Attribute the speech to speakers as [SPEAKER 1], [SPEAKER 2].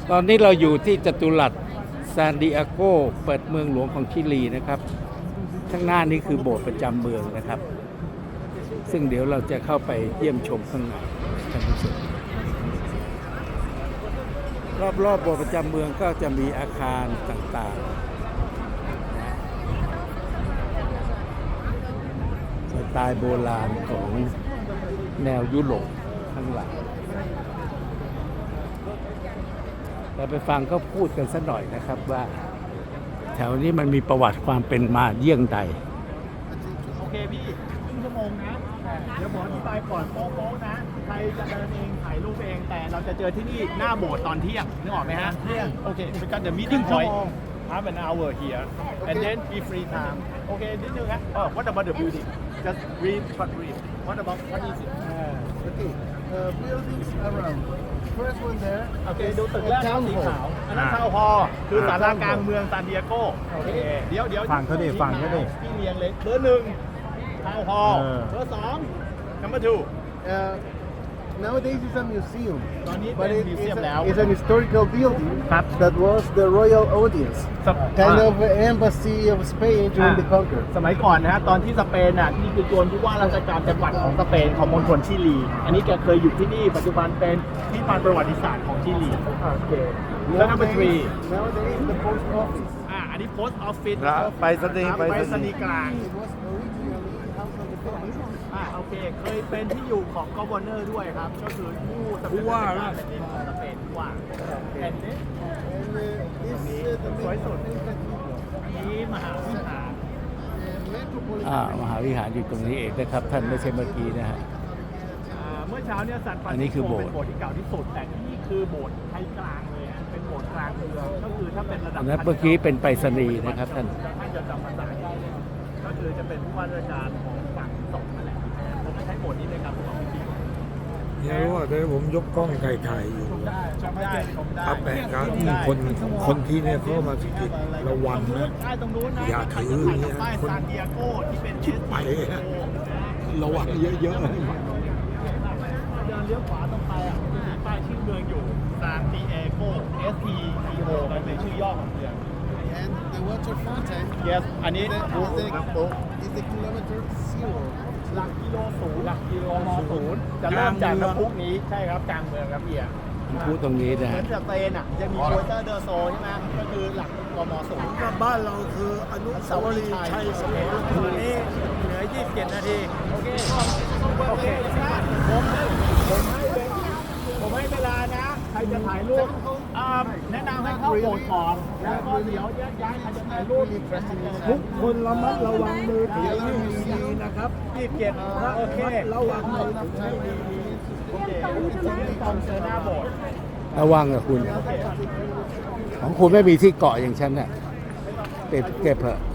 [SPEAKER 1] ตอนนี้เราอยู่ที่จัตุรัสซานดิเอโกเปิดเมืองหลวงของชิลีนะครับข้างหน้านี้คือโบสถ์ประจำเมืองนะครับ ซึ่งเดี๋ยวเราจะเข้าไปเยี่ยมชมข้างในท่านผู้ชมรอบๆโบสถ์ประจำเมืองก็จะมีอาคารต่างๆสไตล์โบราณของแนวยุโรปข้างหลังเราไปฟังเขาพูดกันสักหน่อยนะครับว่าแถวนี้มันมีประวัติความเป็นมาเยี่ยงใด
[SPEAKER 2] โอเคพี่ครึ่งชั่วโมงนะเดี๋ยวผมอธิบายก่อนโป๊ะๆนะใครจะเดินเองถ่ายรูปเองแต่เราจะเจอที่นี่หน้าโบสถ์ตอนเที่ยงนึกออกไหมฮะเที่ยงโอเคเป็นการ the meeting point half an hour here and then be free time โอเคนิดนึงฮะwhat about the building just read short read what about what is it
[SPEAKER 3] Okay, buildings around. First one there.
[SPEAKER 2] โอเคดูตึกแรกสีขาวอันนั้นทาวน์ฮอลล์คือศาลากลางเมืองซานดิเอโกโอเคเดี๋ยว
[SPEAKER 4] ฝั่งเขาดิฝั่งเขาดิ
[SPEAKER 2] ที่เรียงเลยเบอร์หนึ่งทาวน์ฮอลล์เบอร์สอง number two
[SPEAKER 3] Nowadays it's a museum,
[SPEAKER 2] ตอนนี้
[SPEAKER 3] but
[SPEAKER 2] เป็น
[SPEAKER 3] it,
[SPEAKER 2] มิว
[SPEAKER 3] it's,
[SPEAKER 2] เซียมแล้ว
[SPEAKER 3] it's an historical building
[SPEAKER 2] ครับ
[SPEAKER 3] that was the royal audience,
[SPEAKER 2] ส
[SPEAKER 3] kind of embassy of Spain during the conquer.
[SPEAKER 2] สมัยก่อนนะฮะตอนที่สเปนน่ะนี่คือจวนผู้ว่าราชการจังหวัดของสเปนของมณฑลชิลี อันนี้แกเคยอยู่ที่นี่ปัจจุบันเป็นที่ปานประวัติศาสตร์ของชิลีโอเคแล้ว number three
[SPEAKER 3] Nowadays the post office.
[SPEAKER 2] อันนี้ post office
[SPEAKER 4] ไปสนีย์
[SPEAKER 2] ไปรษณีย์กลาง
[SPEAKER 3] It was originally house of the king.
[SPEAKER 2] โอเคเคยเป็นที่อยู่ของกวอร์เนอร์ด้วยครับก็คือผู้ว่าราชการของสเปนผู้ว่าแอนนี้
[SPEAKER 3] And this the main cathedral.
[SPEAKER 2] อันนี้มหาวิหาร
[SPEAKER 3] Metropolitan.
[SPEAKER 1] มหาวิหารอยู่ตรงนี้เองนะครับท่านไม่ใช่เมื่อกี้นะฮะ
[SPEAKER 2] เมื่อเช้าเนี่ยซานฟราน
[SPEAKER 1] อันนี้
[SPEAKER 2] ซิส
[SPEAKER 1] คือ
[SPEAKER 2] โก
[SPEAKER 1] โบสถ์
[SPEAKER 2] เป็นโบสถ์ที่เก่าที่สุดแต่ที่นี่คือโบสถ์ไทยกลางเลยฮะเป็นโบสถ์กลางเมืองก็คือถ้าเป็นระดับ
[SPEAKER 1] อันนั้นเมื่อกี้เป็นไปรษณีย์นะครับท่าน
[SPEAKER 2] ท่านจะจำภาษาได้เลยก็คือจะเป็นผู้ว่าราชการของฝั่งสองนั่นแหละผมจะใช้โบสถ์นี้ในการประกอบพิธี
[SPEAKER 4] เดี๋ยวว่าเดี๋ยวผมยกกล้องไกลๆอยู่
[SPEAKER 2] ชมได้ชมได้
[SPEAKER 4] ครับแปลกครับคนที่เนี่ยเขามาสกิดระวังนะ
[SPEAKER 2] ใต้ตรงนู้นนะ
[SPEAKER 4] อย่าถืออย่างเงี้ย
[SPEAKER 2] ป้ายซานดิเอโกที่เป็น
[SPEAKER 4] ชิบไปฮะ ระวังเยอะๆ
[SPEAKER 2] เดินเลี้ยวขวาตรงไปอ่ะจะมีป้ายชื่อเมืองอยู่ซานดิเอโก STO มันเป็นชื่อย่อของเมือง
[SPEAKER 3] And the water fountain
[SPEAKER 2] yes อันนี้
[SPEAKER 3] is the kilometer zero.
[SPEAKER 2] หลักกิโลศูนย์หลักกิโลมศูนย์จะเริ่มจากน้ำพุนี้ใช่ครับกลางเมืองครับเบียร์
[SPEAKER 1] พูดตรงนี้นะ
[SPEAKER 2] เหมือ
[SPEAKER 1] ฮะ
[SPEAKER 2] นสเปนอ่ะจะมีโคเตอร์เดอโซใช่ไหมก็คือหลักกมศูนย์
[SPEAKER 4] กับบ้านเราคืออนุสาวรีย์ชัยสมรภูมิ
[SPEAKER 2] นี้เหลือ27 นาที โอเค โอเคผมให้เวลานะ ใครจะถ่ายรูปแนะนำให้เข้าโบสถ์ก่อน แล้วก็เดี๋ยวแยกย้ายใครจะถ่ายรูป
[SPEAKER 4] ทุกคนระมัดระวังมือถือให้ดีนะครับ
[SPEAKER 2] 27โอเค
[SPEAKER 4] ระวังมือถือให้ดี
[SPEAKER 2] โอเคตอนเจอหน้าโบสถ์
[SPEAKER 1] ระวังกับคุณ ของคุณไม่มีที่เกาะอย่างฉันน่ะเก็บเถอะ